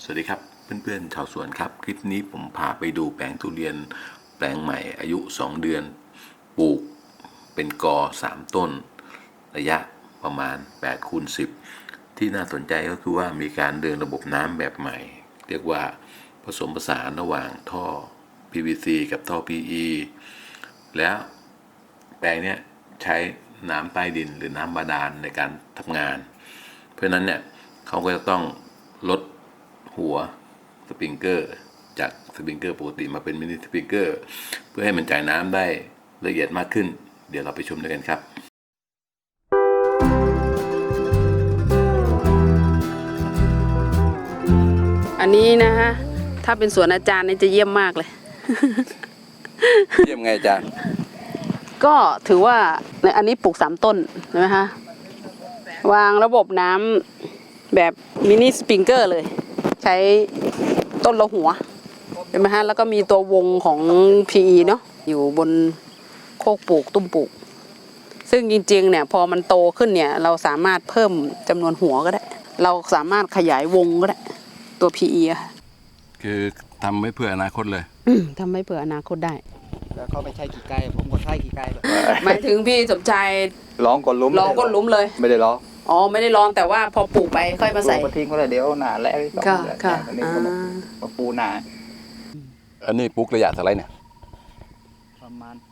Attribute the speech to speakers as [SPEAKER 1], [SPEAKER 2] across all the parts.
[SPEAKER 1] สวัสดีครับเพื่อนๆชาวสวนครับคลิปนี้ผมพาไปดูแปลงทุเรียนแปลงใหม่อายุ2 เดือนปลูกเป็นกอ3 ต้นระยะประมาณ8x10ที่น่าสนใจก็คือว่ามีการเดินระบบน้ำแบบใหม่เรียกว่าผสมผสานระหว่างท่อ PVC กับท่อ PE แล้วแปลงนี้ใช้น้ำใต้ดินหรือน้ำบาดาลในการทำงานเพราะนั้นเนี่ยเขาก็จะต้องลดหัวสปริงเกอร์จากสปริงเกอร์ปกติมาเป็นมินิสปริงเกอร์เพื่อให้มันจ่ายน้ำได้ละเอียดมากขึ้นเดี๋ยวเราไปชมด้วยกันครับ
[SPEAKER 2] อันนี้นะฮะถ้าเป็นสวนอาจารย์นี่จะเยี่ยมมากเลย
[SPEAKER 1] เยี่ยมไงอาจารย์
[SPEAKER 2] ก็ถือว่าในอันนี้ปลูก3 ต้นใช่ไหมคะวางระบบน้ำแบบมินิสปริงเกอร์เลยใช้ต้นละหัวเห็นไหมฮะแล้วก็มีตัววงของ PE เนาะอยู่บนโคกปลูกตุ้มปลูกซึ่งจริงๆเนี่ยพอมันโตขึ้นเนี่ยเราสามารถเพิ่มจำนวนหัวก็ได้เราสามารถขยายวงก็ได้ตัว PE อะ
[SPEAKER 1] คือทำไว้เพื่ออนาคตเลย
[SPEAKER 2] ทำให้เผื่ออนาคตได้
[SPEAKER 3] แล้วเขาไม่ใช่กี่ไก่ผมก็ใช่กี่ไก่แบบ
[SPEAKER 2] หมายถึงพี่สมชาย
[SPEAKER 3] ร้องก้นลุ้ม
[SPEAKER 2] ร้องก้นลุ้มเลย
[SPEAKER 3] ไม่ได้ร้อง
[SPEAKER 2] อ๋อไม่ได้ร้องแต่ว่าพอปลูกไปค่อยมาใส่
[SPEAKER 3] ปลูกทิ้งก็เลยเดี๋ยวหนาแล้ว
[SPEAKER 2] ค่ะ
[SPEAKER 3] อันนี้ก็มาปูหนา
[SPEAKER 1] อันนี้ปลูกระยะเท่าไรเนี่ย
[SPEAKER 3] ประมาณ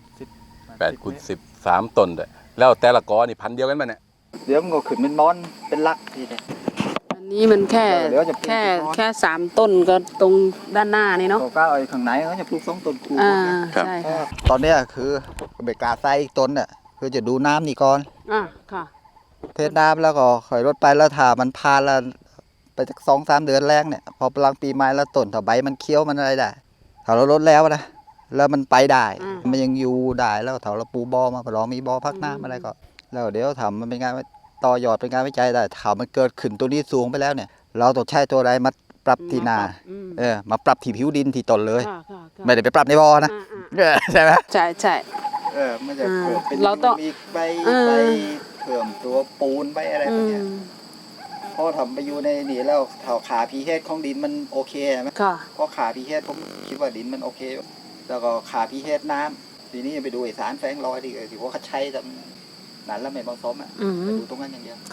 [SPEAKER 3] 8x10
[SPEAKER 1] 8x10 3 ต้นเลยแล้วแต่ละกอนี่พันเดียวกันไหมเนี่ย
[SPEAKER 3] เดี๋ยวมันก็ขึ้นเป็นมอนเป็นลักทีเดียว
[SPEAKER 2] อันนี้มันแค่3 ต้นก็ตรงด้านหน้านี่เนาะ
[SPEAKER 3] ก็เอาข้างในเขาจะปลูก2 ต้นคู่
[SPEAKER 2] ใช่ค่ะ
[SPEAKER 3] ตอนนี้คือเบกาไซต้นเนี่ยคือจะดูน้ำนี่ก่อน
[SPEAKER 2] ค่ะ
[SPEAKER 3] เทน้ำแล้วก็ค่อยลดไปแล้วถ้ามันพานแล้วไปจาก2-3 เดือนแรกเนี่ยพอพลังปีใหม่แล้วต้นถ้าใบมันเคี้ยวมันอะไรได้ถ้าเราลดแล้วนะแล้วมันไปได้มันยังอยู่ได้แล้วถ้าเราปูบอมาเรามีบอพักน้ำอะไรก็แล้วเดี๋ยวทำมันเป็นงานต่อยอดเป็นงานวิจัยได้ถ้ามันเกิดขึ้นตัวนี้สูงไปแล้วเนี่ยเราต้องใช้ตัวใดมาปรับที่นามาปรับที่ผิวดินที่ต้นเลยไม่ได้ไปปรับในบอนะใช่ไหม
[SPEAKER 2] ใช่
[SPEAKER 3] มันจะเกิดเป็นมีใบเพิ่มตัวปูนใบอะไรพวกนี้พอทำไปอยู่ในนี่แล้วเท่าขาพีเฮดของดินมันโอเคไหมเพราะขาพีเฮดผมคิดว่าดินมันโอเคแล้วก็ขาพีเฮดน้ำทีนี้ไปดูสารแฝงลอยที่ว่าเขาใช้ทำนั้นแล้วไม่เหมาะสมไปดูตรงนั้นอย่างเดียว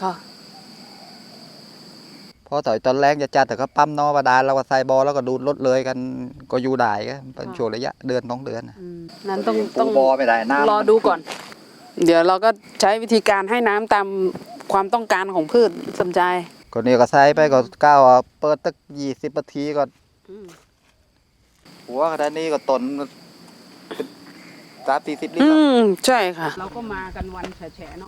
[SPEAKER 3] พอตอนแรกจะจัดแต่ก็ปั๊มนอบาดาลแล้วก็ใส่บอแล้วก็ดูดลดเลยกันก็อยู่ได้ก็เป็นช่วงระยะ1-2 เดือน
[SPEAKER 2] นั้นต้อง
[SPEAKER 3] บอไม่ได้น้ำ
[SPEAKER 2] รอดูก่อนเดี๋ยวเราก็ใช้วิธีการให้น้ำตามความต้องการของพืชสมใจ
[SPEAKER 3] ก็นี่ก็ใส่ไปก็ก้าวเปิดตั้ง20 นาทีก็หัวขนาดนี้ก็ต้น30-40 ลิตร
[SPEAKER 2] ใช่ค่ะเราก็มากันวันแฉะเนาะ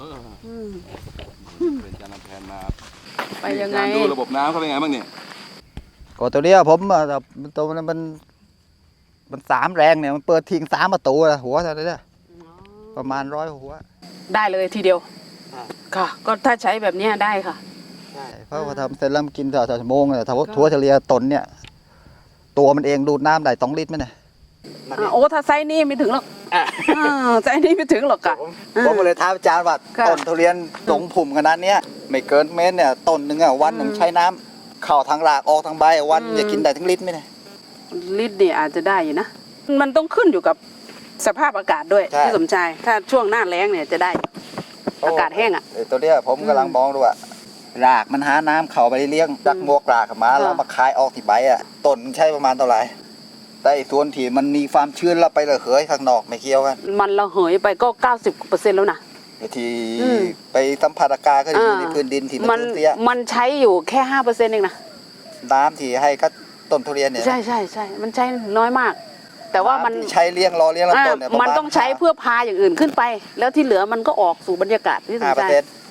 [SPEAKER 1] เป็นจานแทนมา
[SPEAKER 2] ไปยังไง
[SPEAKER 1] ดูระบบน้ำเขาเป็นไงบ้างเนี่ย
[SPEAKER 3] ก็ตัวนี้ผมตัวมัน3 แรงเนี่ยมันเปิดทิ้ง3 ประตูหัวเท่านั้นประมาณ100 หัว
[SPEAKER 2] ได้เลยทีเดียวค่ะก็ถ้าใช้แบบนี้ได้ค่ะ
[SPEAKER 3] ใช่เพราะว่าทำเสร็จแล้วกินต่อชั่วโมงถ้าทั่วเฉลี่ยต้นเนี่ยตัวมันเองดูดน้ำได้2 ลิตรไหมเนี่ย
[SPEAKER 2] โอ้ถ้าไซส์นี้ไม่ถึงหรอกไซส์นี้ไม่ถึงหรอกค่ะ
[SPEAKER 3] ผมเลยท้าอาจารย์ว่าต้นทุเรียนตรงผุ่มขนาดนี้ไม่เกินเมตรเนี่ยต้นหนึ่งวันหนึ่งใช้น้ำเข้าทางรากออกทางใบวันจะกินได้ถึงลิตรไหมเนี่ย
[SPEAKER 2] ลิตรนี่อาจจะได้อยู่นะมันต้องขึ้นอยู่กับสภาพอากาศด้วยที่สมชายถ้าช่วงหน้าแล้งเนี่ยจะได้อากาศแห้ง
[SPEAKER 3] ตัวเนี้ยผมกำลังมองดูว่ารากมันหาน้ำเข้าไปเลี้ยงดักมวกรากมาแล้วมาคายออกที่ใบต้นใช้ประมาณเท่าไหร่แต่ส่วนที่มันมีความชื้นเราไประเหยข้างนอกไม่เกี่ยวกัน
[SPEAKER 2] มันระเหยไปก็ 90% แล้วนะ
[SPEAKER 3] ที่ไปสัมผัสอากาศก็อยู่ในพื้นดินที่มันเตี้ย
[SPEAKER 2] มันใช้อยู่แค่ 5% เองนะ
[SPEAKER 3] น้ำที่ให้กับต้นทุเรียนเนี่ย
[SPEAKER 2] ใช่มันใช้น้อยมากแต่ว่ามัน
[SPEAKER 3] ใช้เลี้ยงรอเลี้ยงลำต้นเนี่ย
[SPEAKER 2] มันต้องใช้เพื่อพาอย่างอื่นขึ้นไปแล้วที่เหลือมันก็ออกสู่บรรยากาศที่สนใจ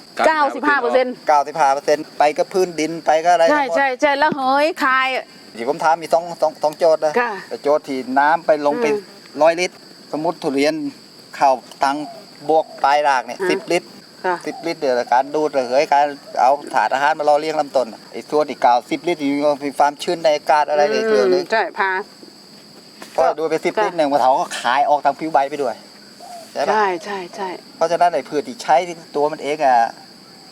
[SPEAKER 3] 95%ไปก็พื้นดินไปก็อะไร
[SPEAKER 2] ใช่แล้วเฮ้ยคาย
[SPEAKER 3] ที่ผมถามมีสองโจทย์นะโจทย์ที่น้ำไปลงไป100 ลิตรสมมติทุเรียนเข้าตังบวกปลายรากเนี่ย10 ลิตร10 ลิตรเดี๋ยวการดูดระเหยการเอาถาดอาหารมารอเลี้ยงลำต้นไอ้ส่วนที่10 ลิตรมีความชื้นในอากาศอะไรในเครื่องนึง
[SPEAKER 2] ใช่พา
[SPEAKER 3] พอดูไป10 ลิตรเนี่ยมะเถาก็ขายออกทางผิวใบไปด้วย
[SPEAKER 2] ใช่
[SPEAKER 3] เพราะฉะนั้นไอ้พืชที่ใช้ตัวมันเอง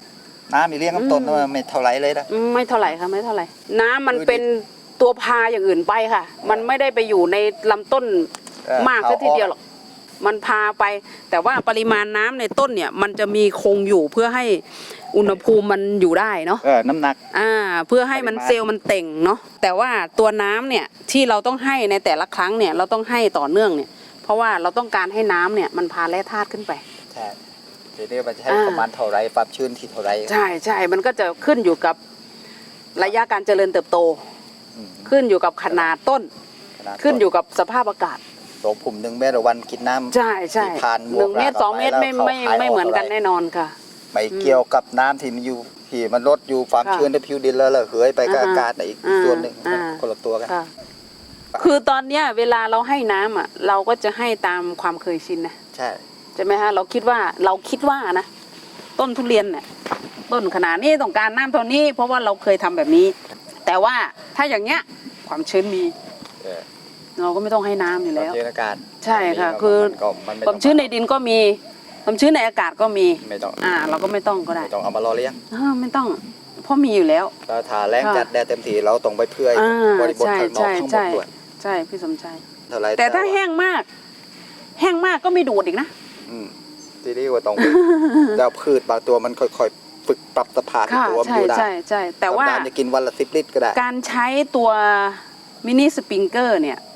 [SPEAKER 3] น้ำมีเลี้ยงกับต้นไม่เท่าไรเลยนะ
[SPEAKER 2] ไม่เท่าไหร่ค่ะไม่เท่าไหร่ น้ำมันเป็นตัวพาอย่างอื่นไปค่ะ มันไม่ได้ไปอยู่ในลำต้นมากซะทีเดียวหรอกมันพาไป แต่ว่าปริมาณน้ำในต้นเนี่ย มันจะมีคงอยู่เพื่อให้อุณหภูมิมันอยู่ได้เนาะ
[SPEAKER 3] น้ำหนัก
[SPEAKER 2] เพื่อให้มันเซลล์มันเต่งเนาะแต่ว่าตัวน้ำเนี่ยที่เราต้องให้ในแต่ละครั้งเนี่ยเราต้องให้ต่อเนื่องเนี่ย เพราะว่าเราต้องการให้น้ำเนี่ยมันพาแร่ธาตุขึ้นไป
[SPEAKER 3] ใช่ทีนี้มันจะให้ประมาณเท่าไรความชื้นที่เท่าไร
[SPEAKER 2] ใช่ใช่มันก็จะขึ้นอยู่กับระยะการเจริญเติบโต ขึ้นอยู่กับขนาดต้น ขึ้นอยู่กับสภาพอากาศ
[SPEAKER 3] สองผม1 เมตรวันกินน้ำ
[SPEAKER 2] ใช่ใช่
[SPEAKER 3] ผ่าน
[SPEAKER 2] 1 เมตร 2 เมตรไม่เหมือนกันแน่นอนค่ะ
[SPEAKER 3] ไม่เกี่ยวกับน้ำที่มันอยู่ที่มันลดอยู่ความชื้นในผิวดินแล้วเหยไปกับอากาศอีกส่วนหนึ่งคนละตัวกัน
[SPEAKER 2] ค่ะ คือตอนเนี้ยเวลาเราให้น้ำอ่ะเราก็จะให้ตามความเคยชินนะ
[SPEAKER 3] ใช่
[SPEAKER 2] ใช่ไหมฮะเราคิดว่านะต้นทุเรียนเนี่ยต้นขนาดนี้ต้องการน้ำเท่านี้ เพราะว่าเราเคยทำแบบนี้ แต่ว่าถ้าอย่างเงี้ยความชื้นมีเราก็ไม่ต้องให้น้ำอยู่แล้ว
[SPEAKER 3] ความชื้นอากาศ
[SPEAKER 2] ใช่ค่ะคือความชื้นในดินก็มีความชื้นในอากาศก็มี
[SPEAKER 3] ไม่ต้อง
[SPEAKER 2] เราก็ไม่ต้องก็ได้
[SPEAKER 3] ไม่ต้องเอามารอเลี้ยง
[SPEAKER 2] ไม่ต้องเพราะมีอยู่แล้ว
[SPEAKER 3] เราทาแรงจัดแดดเต็มที่เราต้องไปเพื่อบริบทข้างนอกทั้งหมดด้วย
[SPEAKER 2] ใช่พี่สมชาย
[SPEAKER 3] เท่าไร
[SPEAKER 2] แต่ถ้าแห้งมากก็ไม่ดูดอีกนะ
[SPEAKER 3] ทีนี้ว่าต้องแล้วพืชบางตัวมันค่อยๆฝึกปรับสภาพตัวมันอยู่ได้
[SPEAKER 2] ใช่แต่ว่า
[SPEAKER 3] จะกินวันละ10 ลิตรก็ได้
[SPEAKER 2] การใช้ตัวมินิสปริงเกอร์เนี่ย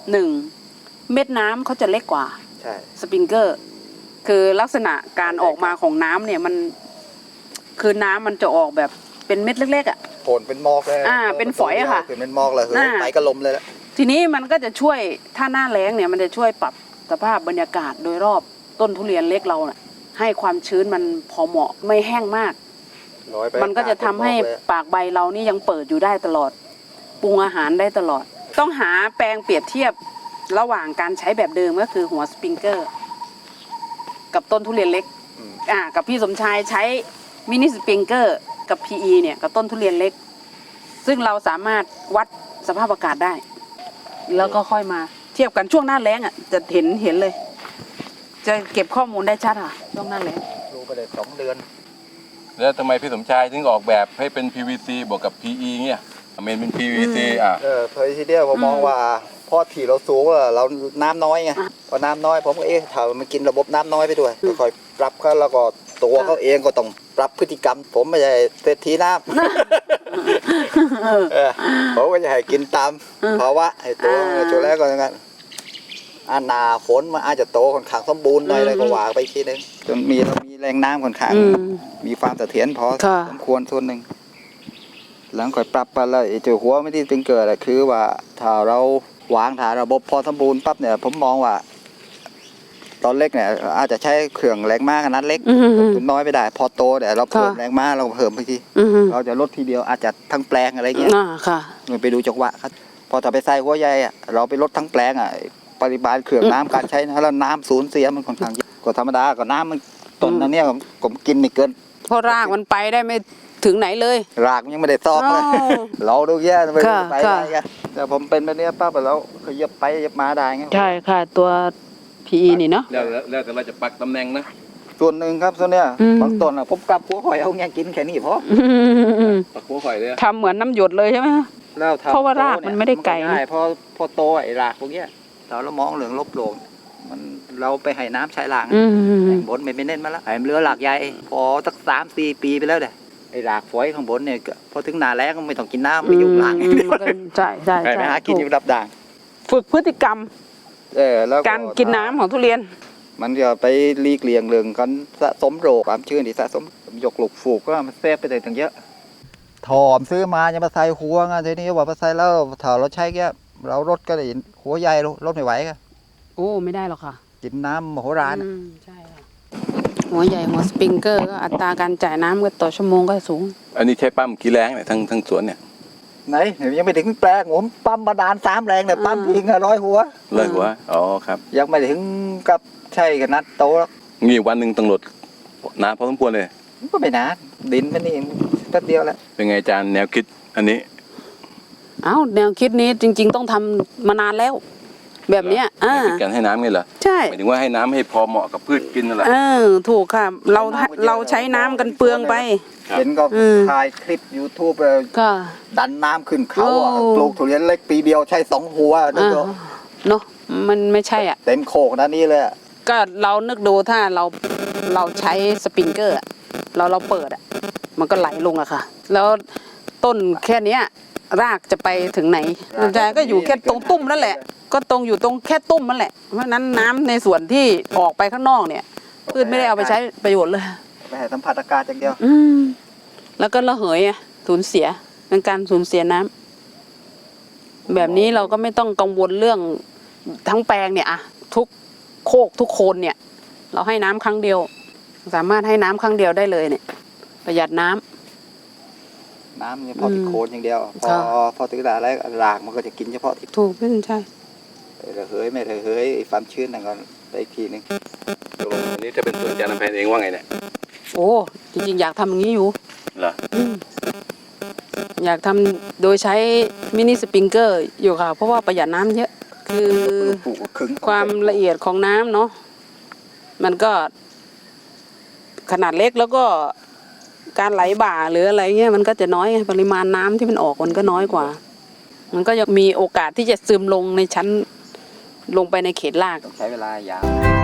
[SPEAKER 2] 1 เม็ดน้ำเขาจะเล็กกว่า
[SPEAKER 3] ใช่
[SPEAKER 2] สปริงเกอร์คือลักษณะการออกมาของน้ำเนี่ยมันคือน้ำมันจะออกแบบเป็นเม็ดเล็กๆอ่ะ
[SPEAKER 3] โผล่เป็นหมอกเลย
[SPEAKER 2] เป็นฝอยอะค่ะ
[SPEAKER 3] เป็นหมอกเลยไปก็ลมเลยละ
[SPEAKER 2] ทีนี้มันก็จะช่วยถ้าหน้าแล้งเนี่ยมันจะช่วยปรับสภาพบรรยากาศโดยรอบต้นทุเรียนเล็กเราน่ะให้ความชื้นมันพอเหมาะไม่แห้งมาก มันก็จะทำให้ปากใบเรานี่ยังเปิดอยู่ได้ตลอดปรุงอาหารได้ตลอด ต้องหาแปลงเปรียบเทียบระหว่างการใช้แบบเดิมก็คือหัวสปริงเกอร์กับต้นทุเรียนเล็กกับพี่สมชายใช้มินิสปริงเกอร์กับ PE เนี่ยกับต้นทุเรียนเล็ก ซึ่งเราสามารถวัดสภาพอากาศได้ แล้วก็ค่อยมาเทียบกันช่วงหน้าแล้งจะเห็นเลย จะเก็บข้อมูลได้ชัดช่วงหน้าแล้ง
[SPEAKER 3] รู้ไปเลย2 เดือน
[SPEAKER 1] แล้วทำไมพี่สมชายถึงออกแบบให้เป็น PVC บวกกับ PE เงี้ยเมนเป็น PVC
[SPEAKER 3] เพอทีเดียวผมมองว่าพอที่เราสูงเราน้ำน้อยไงพอน้ำน้อยผมก็ถ้ามันกินระบบน้ำน้อยไปด้วยค่อยปรับเขาแล้วก็ตัวเขาเองก็ต้องปรับพฤติกรรม ผมไม่ใช่เศรษฐีน้ำผมก็จะให้กินตามภาวะให้ตัวจุดแรกก็อย่างนั้นหนาฝนมันอาจจะโตค่อนข้างสมบูรณ์หน่อยเลยก็ว่าไปทีนึงจนเรามีแรงน้ำค่อนข้างมีความเสถียรพอสมควรส่วนหนึ่งหลังค่อยปรับไปแล้วไอ้เจ้าหัวไม่ที่เป็นเกิดคือว่าถ้าเราวางฐานระบบพอสมบูรณ์ปั๊บเนี่ยผมมองว่าตอนเล็กเนี่ยอาจจะใช้เครื่องแรงม้าขนาดเล็กทุนน้อยไม่ได้พอโตเนี่ยเราเพิ่มแรงม้าเราเพิ่มไปทีเราจะลดทีเดียวอาจจะทั้งแปลงอะไรเงี้ยไปดูจังหวะครับพอถ้าไปใส่หัวใหญ่เราไปลดทั้งแปลงปริมาณเครื่องน้ำการใช้นะแล้วน้ำสูญเสียมันค่อนข้างเยอะก็ธรรมดาก็น้ำมันต้นอันนี้ผมกินไม่เกิน
[SPEAKER 2] เพราะรากมันไปได้ไม่ถึงไหนเลย
[SPEAKER 3] รากมันยังไม่ได้ซอกเลยเราดูแย่ไปได้ไงแต่ผมเป็นแบบนี้ปั๊บแล้วก็เย็บไปเย็บมาได้ไง
[SPEAKER 2] ใช่ค่ะตัว PE นี่เนาะ
[SPEAKER 1] แล้วแต่เราจะปักตำแหน่งนะ
[SPEAKER 3] ส่วนหนึ่งครับส่วนเนี้ยบางต้นผมกลับหัวหอยเอาเงี้ยกินแค่นี้พอ
[SPEAKER 1] ปักหัวข่อยเลย
[SPEAKER 2] ทำเหมือนน้ำหยดเลยใช่ไหม
[SPEAKER 3] แล้วเพ
[SPEAKER 2] ราะว่ารากมันไม่ได้ไกล
[SPEAKER 3] พอโตไอ้รากพวกเนี้ยเรามองเหลืองลบโลงมันเราไปให้น้ำใช้ล่างบนไม่เน้นมาแล้วไอ้เรือหลากใหญ่พอสัก3-4 ปีไปแล้วเด้ไอ้รากฝอยข้างบนเนี่ยพอถึงหน้าแล้งก็ไม่ต้องกินน้ำไม่ยุ่งหลัง
[SPEAKER 2] ใช่ใช่
[SPEAKER 3] ไปหากินอยู่ดับด่าง
[SPEAKER 2] ฝึกพฤติกรรม
[SPEAKER 3] แล้ว
[SPEAKER 2] การกินน้ำของทุเรียน
[SPEAKER 3] มันจะไปหลีกเลี่ยงเรื่องกันสะสมโรคความชื้นที่สะสมยกหลุกฝูกก็มันเซฟไปเลยตั้งเยอะถอมซื้อมาจะมาใส่หัวไงทีนี้ว่ามาใส่แล้วถ้าเราใช้แค่เราลดก็ได้หัวใหญ่ลดไม่ไหวก็
[SPEAKER 2] โอ้ไม่ได้หรอกค่ะ
[SPEAKER 3] กินน้ำมโหฬาร
[SPEAKER 2] ใช่ค่ะหัวใหญ่หัวสปริงเกอร์ก็อัตราการจ่ายน้ำก็ต่อชั่วโมงก็สูง
[SPEAKER 1] อันนี้ใช้ปั๊มกี่แรงเนี่ยทั้งสวนเนี่ย
[SPEAKER 3] ไหนยังไม่ถึงแปลงผมปั๊มบาดาล3 แรงเนี่ยปั๊มทิ้ง100 หัว
[SPEAKER 1] เลยหัวอ๋อครับ
[SPEAKER 3] ยังไม่ถึงกับใช่ขนาดโตแล้ว
[SPEAKER 1] งี้วันหนึ่งต้องลดน้ำพอสมควรเลย
[SPEAKER 3] ก็ไม่นานดินมันนี่แป๊บเดียวแล้ว
[SPEAKER 1] เป็นไงอาจารย์แนวคิดอันนี้
[SPEAKER 2] แนวคิดนี้จริงๆต้องทำมานานแล้ว แบบเนี้ย
[SPEAKER 1] คิดการให้น้ำไงเหรอ
[SPEAKER 2] ใช่
[SPEAKER 1] หมายถึงว่าให้น้ำให้พอเหมาะกับพืชกินนั่นแหละ
[SPEAKER 2] ถูกค่ะเราใช้น้ำกันเปลืองไป
[SPEAKER 3] เห็นก็
[SPEAKER 2] อืม
[SPEAKER 3] ถ่ายคลิป YouTube
[SPEAKER 2] ก็
[SPEAKER 3] ดันน้ำขึ้นเขาอะ
[SPEAKER 2] โอ้
[SPEAKER 3] ปลูกทุเรียนเล็กปีเดียวใช้2 หัวนึกดู
[SPEAKER 2] เนาะมันไม่ใช่อ่ะ
[SPEAKER 3] เต็มโคกนะนี่เลยอะ
[SPEAKER 2] ก็เรานึกดูถ้าเราใช้สปริงเกอร์อะเราเปิดอ่ะมันก็ไหลลงอะค่ะ แล้วต้นแค่เนี้ยรากจะไปถึงไหนแต่ก็อยู่แค่ตรงตุ้มนั่นแหละ ก็ตรงอยู่ตรงแค่ตุ้มนั่นแหละเพราะฉะนั้นน้ำในส่วนที่ออกไปข้างนอกเนี่ยพืชไม่ได้เอาไปใช้ประโยชน์เลย
[SPEAKER 3] ไปให้สัมผัสอากาศอย่างเดียว
[SPEAKER 2] อืมแล้วก็ระเหยอะสูญเสียเป็นการสูญเสียน้ำแบบนี้เราก็ไม่ต้องกังวลเรื่องทั้งแปลงเนี่ยอะทุกโคกทุกโคนเนี่ย เราให้น้ำครั้งเดียว สามารถให้น้ำครั้งเดียวได้เลยเนี่ย ประหยัดน้ำ
[SPEAKER 3] น้ำเฉพาะที่โคนอย่างเดียว พอถึงเวลาแล้วรากมันก็จะกินเฉพาะที่
[SPEAKER 2] ถูกพี่ใช่
[SPEAKER 3] ระเหยไม่ระเหยไอ้ความชื้นนั่นก็ไปอีกทีหนึง
[SPEAKER 1] ตกลงอันนี้จะเป็นสวนอาจารย์นำแพนเองว่าไงเนี่ย
[SPEAKER 2] โอ้จริงๆอยากทำอย่างนี้อยู่
[SPEAKER 1] เหรอ
[SPEAKER 2] อยากทำโดยใช้มินิสปริงเกอร์อยู่ค่ะ เพราะว่าประหยัดน้ำเยอะ คือ
[SPEAKER 3] ปลูกขึง
[SPEAKER 2] ความละเอียดของน้ำเนาะมันก็ขนาดเล็กแล้วก็การไหลบ่าหรืออะไรเงี้ยมันก็จะน้อยไงปริมาณน้ำที่มันออกมันก็น้อยกว่า มันก็ยังมีโอกาสที่จะซึมลงในชั้นลงไปในเขตราก
[SPEAKER 3] ต้องใช้เวลายาว